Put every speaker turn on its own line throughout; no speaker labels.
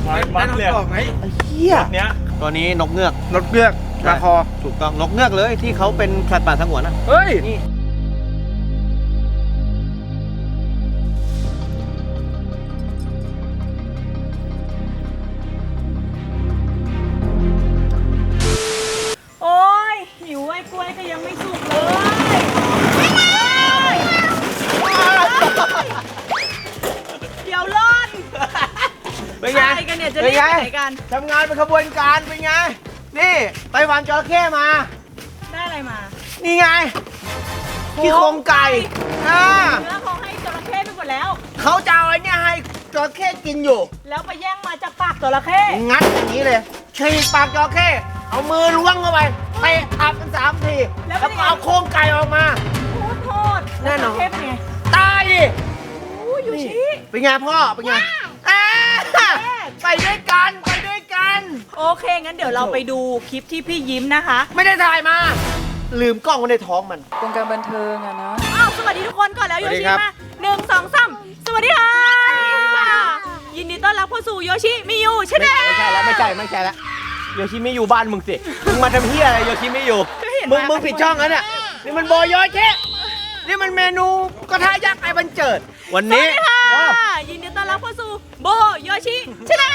มัดเลยไอ้เหี้ยเนี้ยตัวนี้นกเงือกราคอถูกต้องนกเงือกเลยที่เขาเป็นสัตว์ป่าสงวนนะเฮ้ยนี่
โอ้ยหิวไอ้กล้วยก็ยังไม่สุกเลยเดี๋ยวล่อน
เป็นไง
กันเนี่ยจะรีบไปไหนกัน
ทำงานเป็นขบวนการเป็นไงนี่ไต้หวันจระเข้มา
ได้อะไรมา
นี่ไงขี้โครงไก่
เนื้อเขาให้จระเข้ไปหมดแล้ว
เขาจะเอาไอ้เนี่ยให้จระเข้กินอยู่
แล้วไปแย่งมาจากปากจระเข้
งัดอย่างนี้เลยฉีกปากจระเข้เอามือล้วงเข้าไปเตะอับกัน3 ทีแล้วก็เอาโครงไก่ออกมา
โทษ
แน่นอน
เป็นไง
ตายดิ
ยูชิ
เป็นไงพ่อเป็นไงไปด้วยกัน
โอเคงั้นเดี๋ยวเราไปดูคลิปที่พี่ยิ้มนะคะ
ไม่ได้ถ่ายมาลืมกล้องไว้ในท้องมัน
เป็นการบันเทิงอะนะอ้าวสวัสดีทุกคนก่อนแล้วโยชิมา1 2 3สวัสดีค่ะยินดีต้อนรับเข้าสู่โยชิมิยูชาแนล
ไม่ใช่แล้วโยชิมิยูบ้านมึงสิมึงมาทำเหี้ยอะไรโยชิมิยูมึงผิดช่องแล้วเนี่ยนี่มันโบโยชินี่มันเมนูกระทะยักษ์ไอ้บันเจิดวันนี้
ยินดีต้อนรับเข้าสู่โบโยชิชาแนล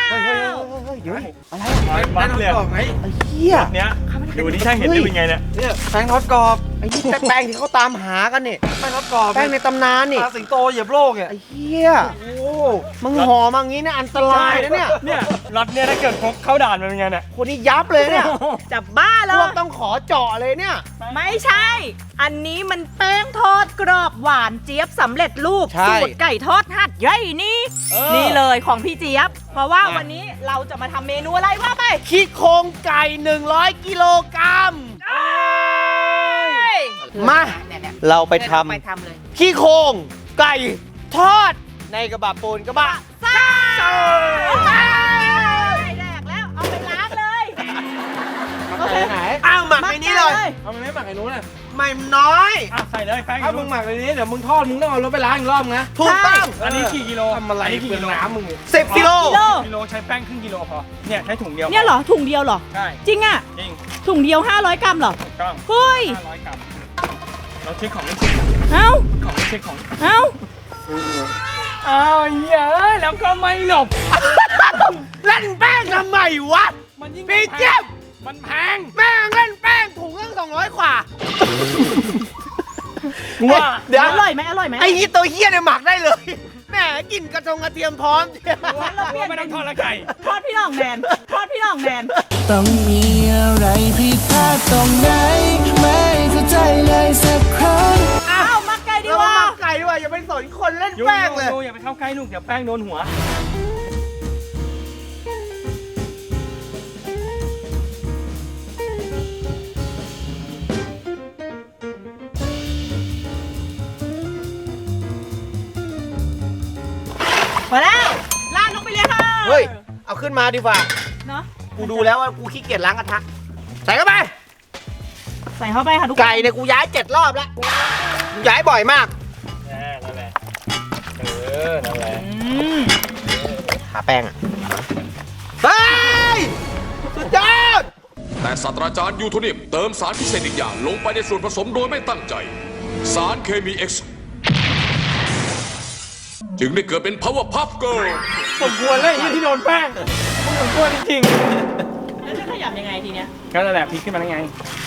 อะไรบ้านเลยไอ้เหี้ยเนี้ยดูนี่ใช่เห็นได้เป็นไงเนี่ยแป้งทอดกรอบไอ้นี่แป้งที่เขาตามหากันเนี่ยแป้งทอดกรอบแป้งในตำนานนี่สิงโตเหยียบโลกเนี่ยไอ้เหี้ยโอ้มึงห่อมางี้เนี่ยอันตรายนะเนี่ยรถเนี่ยถ้าเกิดพกเข้าด่านมันเป็นไงเนี่ยคนนี้ยับเลยเนี่ย
จับบ้าเลย
พวกต้องขอเจาะเลยเนี่ย
ไม่ใช่อันนี้มันแป้งทอดกรอบหวานเจี๊ยบสำเร็จรูปสูตรไก่ทอดหัดใหญ่นี่เลยของพี่เจี๊ยบเพราะว่าวันนี้เราจะมาทำเมนูอะไรว่าไป
ขี้โครงไก่100 กิโลกรัมมาเราไปทำเลยขี้โครงไก่ทอดในกระบะปูนกระบะ
ซ่าแดกแล้วเอาไปล้างเลย
โอเคไหนอ้าวหมักในนี้เลยเอาไม่หมักไอ้นู้นน่ะไม่น้อยใส่เลยแป้งถ้ามึงหมักในนี้เดี๋ยวมึงทอดมึงต้องเอารถไปล้างอีกรอบนะถูกต้องอันนี้กี่กิโลทำอะไรเปลืองน้ำมึง10 กิโลใช้แป้งครึ่งกิโลพอเนี่ยใช้ถุงเดียว
เนี่ยเหรอถุงเดียวเหรอ
ใช่
จริงอ่ะจริงถุงเดียว500 กรัมเหรอ
ถูกต้อง
เฮ้ย
500 กรัมเราเช็คของไม่เช็คของไม่เช็คของ
เอา
เหี้ยแล้วก็ไม่หลบเล่นแป้งทำไมวะพี่เจี๊ยบมันแพงแม่งเล่นแป้งถุงตั้ง200 กว่าว่า
เดี๋ยวอร่อยไหม
ไอ้ตัวเหี้ยเนี่ยหมักได้เลยแม่กินกระเทียมพร้อมไม่ต้องทอดละไก่
ทอดพี่น้องแนน
ต้องมีอะไรผิดพลาดตรงไหนไม่เข้าใจเลยสักครั้ง
หมักไก่ดีกว่า
อย่าไปสนคนเล่นแป้งเลยอย่าไปเข้าใกล้ลูกเดี๋ยวแป้งโดนหัว
มาแล้วลาดลงไปเลยค่ะ
เฮ้ยเอาขึ้นมาดีกว่า
เนาะ
กูดูแล้วว่ากูขี้เกียจล้างกระทะใส่เข้าไป
ค่ะทุกคน
ไก่เนี่ยกูย้าย7 รอบแล้วย้ายบ่อยมากนั่นแหละนั่นแหละทาแป้งอ่ะเฮ้ยสุดยอด
แต่ศาสตราจารย์ยูโทเนียมเติมสารพิเศษอีกอย่างลงไปในส่วนผสมโดยไม่ตั้งใจสารเคมี X จึงได้เกิดเป็น Power Puff Girl
สมควรเลยที่โดนแป้งสมควรจริง
ๆแล้วจะขยับยังไงทีเนี้ย
ก็นั่นแหละพลิกขึ้นมาได้ไง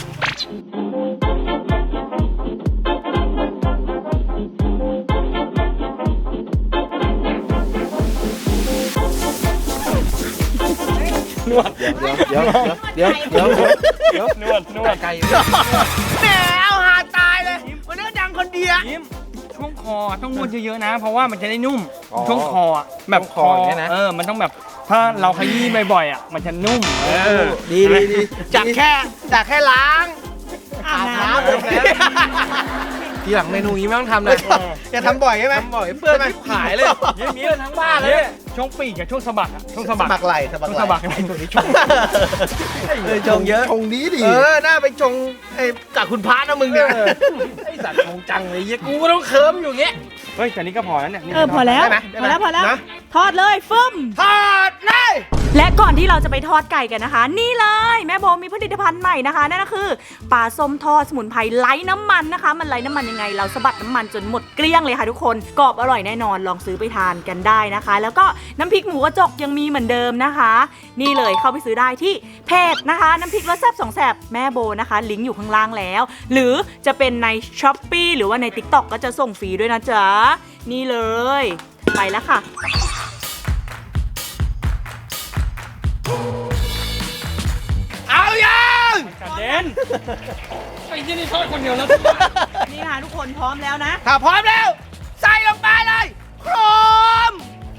นวดเดี๋ยวนวดไก่แหมเอาหาตายเลยวันนี้ดังคนเดียวช่วงคอต้องนวดเยอะๆนะเพราะว่ามันจะได้นุ่มช่วงคอแบบคอเนี่ยนะมันต้องแบบถ้าเราขยี้บ่อยๆมันจะนุ่มดีจากแค่ล้างอาบน้ำทีหลังเมนูนี้ไม่ต้องทำนะอย่าทำบ่อยใช่ไหมทำบ่อยเปื้อนมันหายเลยยิ้มนี้ทั้งบ้านเลยช่วงปีกกับช่วงสะบักช่วงสะบักไหล่ช่วงสะบักไหล่ตรงนี้ชงเยอะชงดีน่าไปชงกับคุณพระนะมึงเนี่ยไอ้สัตว์ชงจังเลยยี่กูต้องเคิร์มอยู่เงี้ยเฮ้ยแต่นี้ก็พอแล้วเนี่ย
พอแล้วทอดเลยฟึ่ม
ทอดเล
ก่อนที่เราจะไปทอดไก่กันนะคะ นี่เลยแม่โบมีผลิตภัณฑ์ใหม่นะคะนั่นก็คือปลาส้มทอดสมุนไพรไร้น้ำมันนะคะ มันไร้น้ำมันยังไงเราสะบัดน้ำมันจนหมดเกลี้ยงเลยค่ะทุกคนกรอบอร่อยแน่นอนลองซื้อไปทานกันได้นะคะ แล้วก็น้ำพริกหมูกระจกยังมีเหมือนเดิมนะคะ นี่เลยเข้าไปซื้อได้ที่เพจนะคะน้ำพริกรสแซ่บ2 แซ่บแม่โบนะคะลิงก์อยู่ข้างล่างแล้ว หรือจะเป็นใน Shopee หรือว่าใน TikTok ก็จะส่งฟรีด้วยนะจ๊ะนี่เลยไปแล้วค่ะ
เอายัง
กระเด็นไอ้ที่นี่ทอดคนเดียวแล้ว
นี่ค่ะทุกคนพร้อมแล้วนะ
ถ้าพร้อมแล้ว ใส่ลงไปเลยพร้อม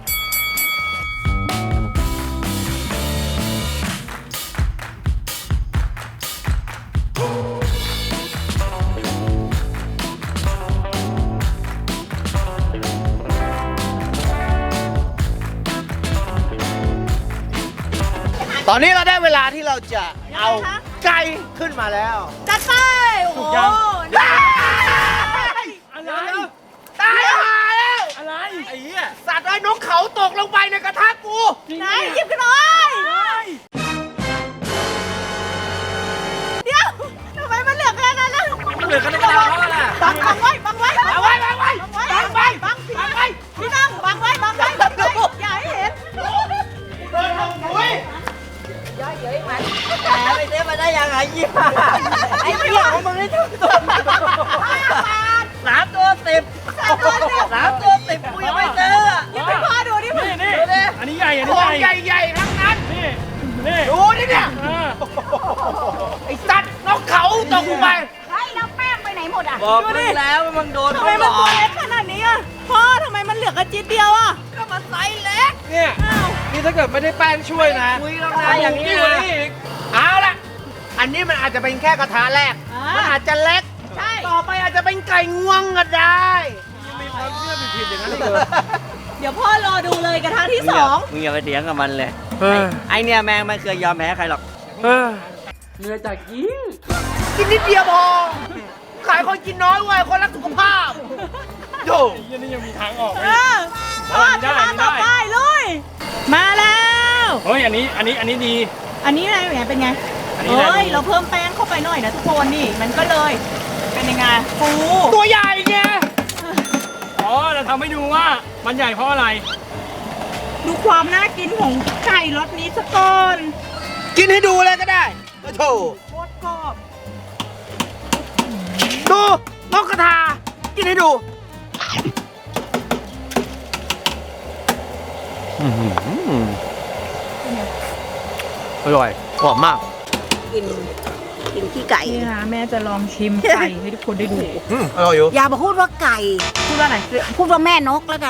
ตอนนี้เราได้เวลาที่เราจะเอาไก่ขึ้นมาแล้ว
จัดไปโอ้โห
อะไร
ตายมาแล้ว
อะไร
ไอ้เหี้ยสัตว์ไอ้นกเขาตกลงไปในกระทะกู
ไหนหยิบกันหน่อยเดี๋ยวทำไมมันเหลือแค่นั้นล่ะ
เหลือกันธรรมดาแล้วแหละ
บังไว้บังไว้
เอาไว้บังไว้
บังไว้บังไว้พี่นั่งบังไว้บังไว้บังไว้อย่าให้เห็น
เดินลงหุย
ไม่ได้มาได้ยังไงยี่ห้าไอ้เหี้ยของมึงนี่ทุกตัว 3 ตัว 10 3 ตัว 10กูยังไม่เจอ
หยิบให้พ่อดูดิมึง
นี่อันนี้ใหญ่อัน
ข
นี้
อง
ใหญ่
ใหญ่ๆทั้งนั้น
นี่
ดูนี่เนี่ย ไอ้สัตว์นกเขาตกลงไป
เฮ้ยแล้วแป้งไปไหนหมดอ่ะ
บอกมึงแล้วมึงโดน
ทำ
เขา
ไม
หล
มัน
อ
ตัว
ก
เล็กขนาดนี้อ่ะพ่อทำไมมันเหลือกระจิตเดียวอ่ะ
ก็มาไซส์เล็ก
เนี่ย
อ้าว
นี่ถ้าเกิดไม่ได้แป้งช่วยนะ
คุยแล้วนะอย่างนี้นะ
เอาละอันนี้มันอาจจะเป็นแค่กระทะแรก มันอาจจะเล็ก
ใช่
ต่อไปอาจจะเป็นไก่งวงก็ได้
เดี๋ยวพ่อรอดูเลยกระทะที่สอง
มึงอย่าไปเถียงกับมันเลย ไอเนี่ยแมงไม่เคยยอมแพ้ใครหรอก
กินนิดเดียวพอ ขายคนกินน้อยเว้ยคนรักสุขภาพโย่
ยี่นี่ยังมีทางออก
เออพ่อจะมาต่อไปเลยมาแล้ว
เฮ้ยอันนี้ดี
อันนี้อะไรเนี่ยเป็นไง
อันนี้อะไร
เฮ้ยเราเพิ่มแป้งเข้าไปหน่อยนะทุกคนนี่มันก็เลยเป็นยังไงฟู
ตัวใหญ่ไง
อ๋อเราทำให้ดูว่ามันใหญ่เพราะอะไร
ดูความน่ากินของไก่รสนี้สักก่อน
กินให้ดูเลยก็ได้โอ้โถ
โคตรกรอบ
ดูนกกระทา กินให้ดู อร่อยหอมมาก
กินขี้ไก่
นี่นะแม่จะลองชิมไก่ให้ทุกคนได้ดู
อร่อยอยู่
อย่ามาพูดว่าไก่
พูดว่าไหน
พูดว่าแม่นกแล้วกัน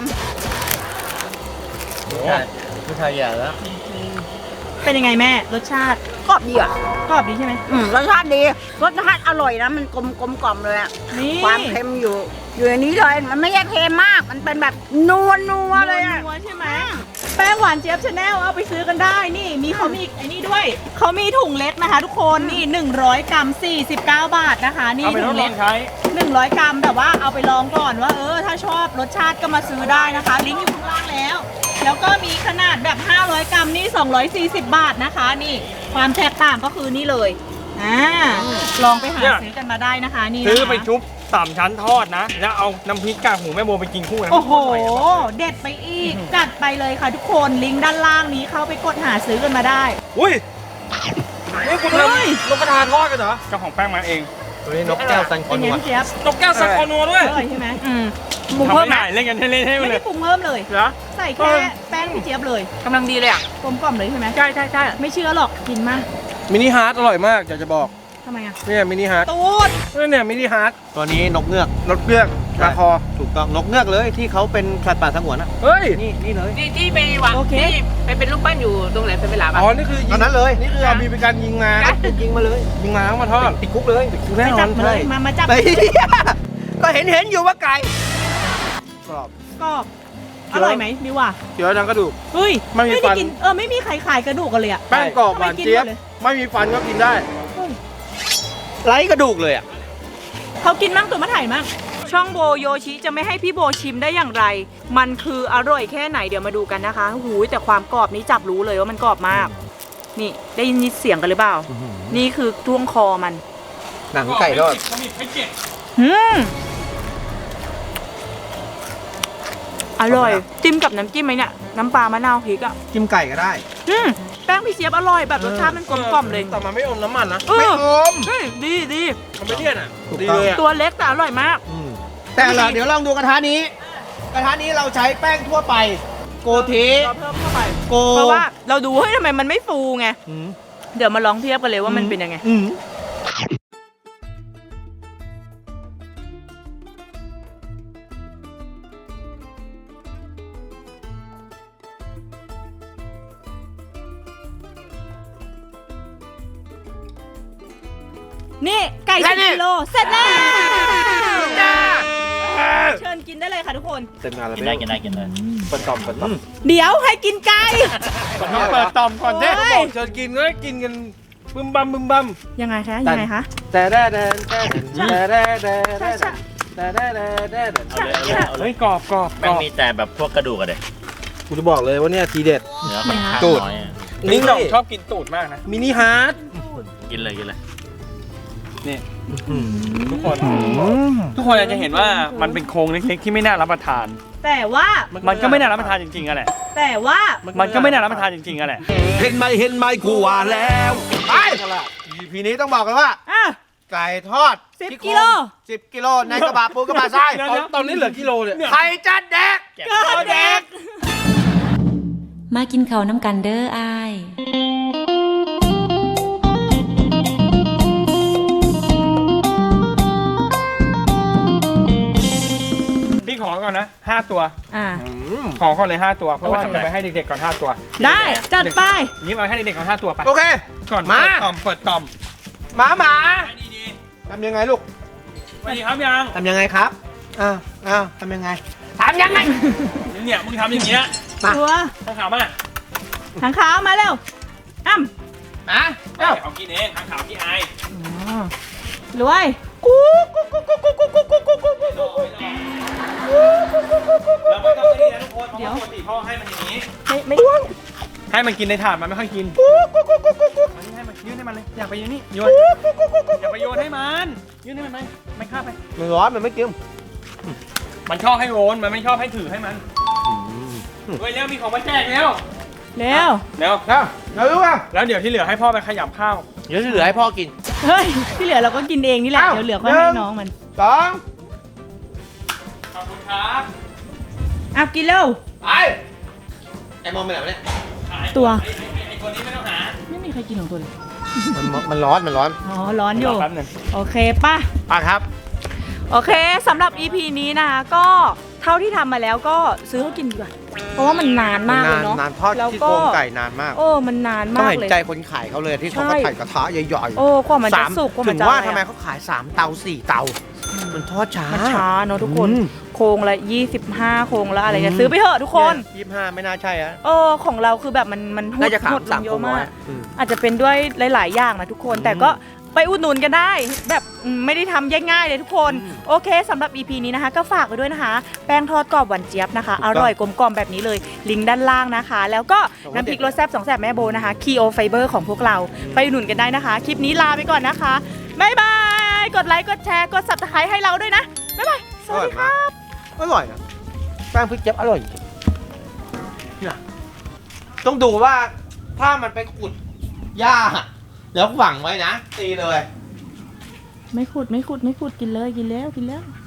ผู้ชายใหญ่แล้ว
เป็นยังไงแม่รสชาติ
กรอบดีอ่ะ
กรอบดีใช่ไหม
รสชาติดี รสชาติอร่อยนะ มันกลมกล่อมเลยอะ
นี่
ความเค็มอยู่ในนี้เลย มันไม่ใช่เค็มมาก มันเป็นแบบนัวเลยอะ
นัวๆใช่ไหมแป้งหวานเจี๊ยบชาแนลเอาไปซื้อกันได้นี่มีเขามีไอ้นี่ด้วยเขามีถุงเล็กนะคะ ทุกคนนี่100 กรัม49 บาทนะคะนี่
เอาไปท
ถุ
ด
ง
ล
เล็
อก งใช้
100 กรัมแบบว่าเอาไปลองก่อนว่าถ้าชอบรสชาติก็มาซื้อได้นะคะ ลิงก์อยู่ข้างล่างแล้ว แล้วก็มีขนาดแบบ500 กรัมนี่240 บาทนะคะ นี่ความแตกต่างก็คือนี่เลยลองไปหาซื้อกันมาได้นะคะนี่นะคะ
ซื้อไปชุบ3 ชั้นทอดนะ แล้วเอาน้ำพริกกากหมูแม่โบไปกินคู่กัน
โอ้โหเด็ดไปอีกจัดไปเลยค่ะทุกคนลิงก์ด้านล่างนี้เข้าไปกดหาซื้อกันมาได้
อุ้ยนี่คุณท
เฮ้ย
ำนกกระทาทอดกันเหรอ
เจ้าของแป้งมาเอง
ตัวนี้นกแก้วซันคอ
เป็น
นั
ไง
ว
พี่เจี๊ยบ
นกแก้วสักคอนัวด้วย
อร่อยใช่ไหมปรุง
ทำ
เพิ่ม
ไม่
ไหม
ได้เล่นกันเล่นให้ไป
ไม่
เล
ได้
ย
ปรุงเพิ่มเลย
เหรอ
ใส่แค่แป้งพี่เจี๊ยบเลย
กำลังดีเลยอ่ะ
กลมกล่อมเลยใช่ไหม
ใช่ใช่ใช่
ไม่เชื่อหรอกกินมาก
มินิฮาร์ดอร่อยมากอยากจะบอก
ทำไมอ่ะ
เนี่ยมินิฮาร์ด
ตูด
เนี่ยมินิฮาร์ด
ตัวนี้นกเงือก
นกเงือกราคอ
ถูกต้องนกเงือกเลยที่เขาเป็นสัตว์ป่าสงวนนะ
เฮ้ย
นี่เลย
ที่ไปวาง
โอเค
ที่ไปเป็นรูปปั้นอยู่ตรงไหนเป็นเวลาบ้าง
อ๋อ นี่คือ
ตอนนั้นเลย
นี่คือเอามีเป็นการยิงมา
ยิงมาเลย
ยิงมาเอามาทอด
ติดคุกเลย
แน่
ไป
นอ
จั
น
บมาเลยมาจับ
ไปก็เห็นอยู่ว่าไก่กรอบ
กรอบอร่อยไหมดิว่า
เดี๋ยวดังกระดูก
เฮ้ย
ไม่มีฟัน
ได้กินไม่มีใครขายกระดูกกันเลยอ่ะ
แป้งกรอบหวานเจี๊ยบ
ทำไมกินหมดเลย
ไม่มีฟันก็กินได้
ไร้กระดูกเลยอ่ะ
เขากินมั่งตัวมาถ่ายมั่งช่องโบโยชิจะไม่ให้พี่โบชิมได้อย่างไร มันคืออร่อยแค่ไหนเดี๋ยวมาดูกันนะคะหูยแต่ความกรอบนี้จับรู้เลยว่ามันกรอบมาก นี่ได้ยินเสียงกันหรือเปล่า นี่คือท่วงคอมัน
หนังไก่ทอด
เขามีให้เจ็บ
อร่อย จิ้มกับน้ำจิ้มไหมเนี่ย น้ำปลามะนาวพริกอ่ะ
จิ้มไก่ก็ได้
แป้งพี่เจี๊ยบอร่อยแบบรสชาติมันกลมกล่อมเลย
แต่มันไม่อมน้ำมันนะ
ไม่อม
เฮ้ยดีดี
มันไม่เลี่ยนอ่ะ
ถูก
ดี
ต้อง
เลยอ่ะ
ตัวเล็กแต่อร่อยมาก
แต่เดี๋ยวลองดูกระทะนี้ กระทะนี้เราใช้แป้งทั่วไป โกเท
เราเพิ่มเข้าไป
โก
เพราะว่าเราดูเฮ้ยทำไมมันไม่ฟูไง เดี๋ยวมาลองเทียบกันเลยว่ามันเป็นยังไง นี่ไก่10 กิโลเสร็จแล้วเชิญกินได้เลยค่ะทุกคน
เต็มงานแล้ว
กินได้
เปิดต่อมเปิดต่อม
เดี๋ยวให้กินไก่
เปิดต่อมก่อนเด้
โอ้
เขา
ย
บอกเชิญกินก็ได้กินกันบึมบัมบึมบัม
ยังไงคะยังไงคะ
แต่แต่แต่แต่แต่แต่
ใช่ใช่
แต่แต่แต่
เฮ้ยกรอบกรอบ
แม่งมีแต่แบบพวกกระดูกอะเด็ก
กูจะบอกเลยว่าเนี่ยทีเด็ด
เนื้อค่อนข้าง
ตูด
น้อยอะ
นิ้งหน่องชอบกินตูดมากนะ
มินิฮาร์ด
กินเลย
นี่ทุกคนอาจจะเห็นว่ามันเป็นโครงเล็กๆที่ไม่น่ารับประทาน
แต่ว่า
มันก็ไม่น่ารับประทานจริงๆอะแหละ
แต่ว่า
มันก็ไม่น่ารับประทานจริงๆอะแหละ
เห็นไหมกูว่าแล้ว
ไปพีนี้ต้องบอกกันว่า
อ่ะ
ไก่ทอด
10 กิโล
10 กิโลในกระบะปูกระบะทราย
ตอนนี้เหลือกิโลเนี่ย
ใครจะแดก
ก็เด็ก
มากินข้าวน้ำกันเด้ออ้าย
พี่ขอก่อนนะ5ตัว
อ่า
ขอก่อนเลย5ตัวเพราะว่าจะไปให้เด็กๆก่อน5ตัว
ได้จัดไป
นี่มาให้เด็กๆก่อน5ตัวไป
โอเค
ก่อน
มา
เปิดต่อม
หมาหมา
ให้ดี
ทำยังไงลูก
ๆสวัสดีครับยัง
ทำยังไงครับอ้าวทำยังไงทำยังไง
เนี่ยมึงทำอย่างเงี้ย
มา
ตัว
ข้างขาวมา
ทางขาวมาเร็วอ้ำ
นะเอ้า
เอากินเองข้างขาวพี่ไอ
รวย
เราไม่ต้องนี่นะทุกคนเพราะว่าปกติพ่อให้มันอย่างนี้
ไม่
ให้มันกินในถาดมันไม่ค่อยกินมันให้มันยื่นให้มันเลยอยากไปยื่นนี่โยนอย่าไปโยนให้มันยื่นให้มันไหมมันข้าบไป
มันร้อนมันไม่กิน
มันชอบให้โอนมันไม่ชอบให้ถือให้มันเฮ้ยเร็วมีของมาแจกแล้ว
เร็ว
เร็ว
เรารู้ป่ะ
แล้วเดี๋ยวที่เหลือให้พ่อไปขยำข้าว
เดี๋ยวเหลือให้พ่อกิน
เฮ้ย ที่เหลือเราก็กินเองนี่แหละ เดี๋ยวเหลือก็ให้น้องมัน
2
ขอบคุณครับ
อ่ะกินเร็ว
ไปไอ้มองไปไหนวะเนี่ย
ตัว
ไอ้ตัวนี้ไม่ต้องหา
ไม่มีใครกินของตัวเลย
มันร้อน
อ๋อ ร้อนอยู่
แป๊บหนึง
โอเคป่ะ
อ่ะครับ
โอเคสำหรับ EP นี้นะคะก็เท่าที่ทำมาแล้วก็ซื้อเขากินดีกว่า เพราะว่ามันนานมากเลยเนาะ
นานทอด
แล้ว
ที่
ก็
โครงไก่นานมาก
โอ้มันนาน
ต้อง
มาก
เห็น
เลย
ใจคนขายเขาเลยที่เขาก็
ใช่
ถ่ายกระทะใหญ่ๆ
โอ้กว่ามันจะสุกกว่ามัน
ถึง
จะ
ว่า
อะไร
ทำไม
อะ
เขาขาย3 เตา 4 เตา มันทอดช้า
มันช้าเนาะทุกคน
อืม
โครงละ25 โครงละอะไรเนี่ยซื้อไปเถอะทุกคน
25 ไม่น่าใช่อะ
ของเราคือแบบมันหด
น่าจะ
หดลง
3
เย
โคร
อะ
ง
มา
ร้
ก
อยอืม
อาจจะเป็นด้วยหลาย ๆ อย่างนะทุกคน แต่ก็ไปอุดหนุนกันได้ แบบไม่ได้ทำง่ายๆเลยทุกคน โอเคสำหรับ EP นี้นะคะ ก็ฝากไว้ด้วยนะคะ แป้งทอดกรอบหวานเจี๊ยบนะคะ อร่อยกลมกล่อมแบบนี้เลย ลิงก์ด้านล่างนะคะ แล้วก็น้ำพริกรสแซ่บ2 แซ่บแม่โบนะคะคีโอไฟเบอร์ของพวกเราไปอุดหนุนกันได้นะคะ คลิปนี้ลาไปก่อนนะคะบ๊ายบายกดไลค์กดแชร์กด Subscribe ให้เราด้วยนะบ๊ายบายสวัสดีค่ะ
อร่อยนะแป้งพริกเจี๊ยบอร่อยจริงเนี่ยต้องดูว่าถ้ามันไปขุดหญ้าแล้วฝังไว้นะ ตีเลย
ไม่ขุดกินเลยกินแล้ว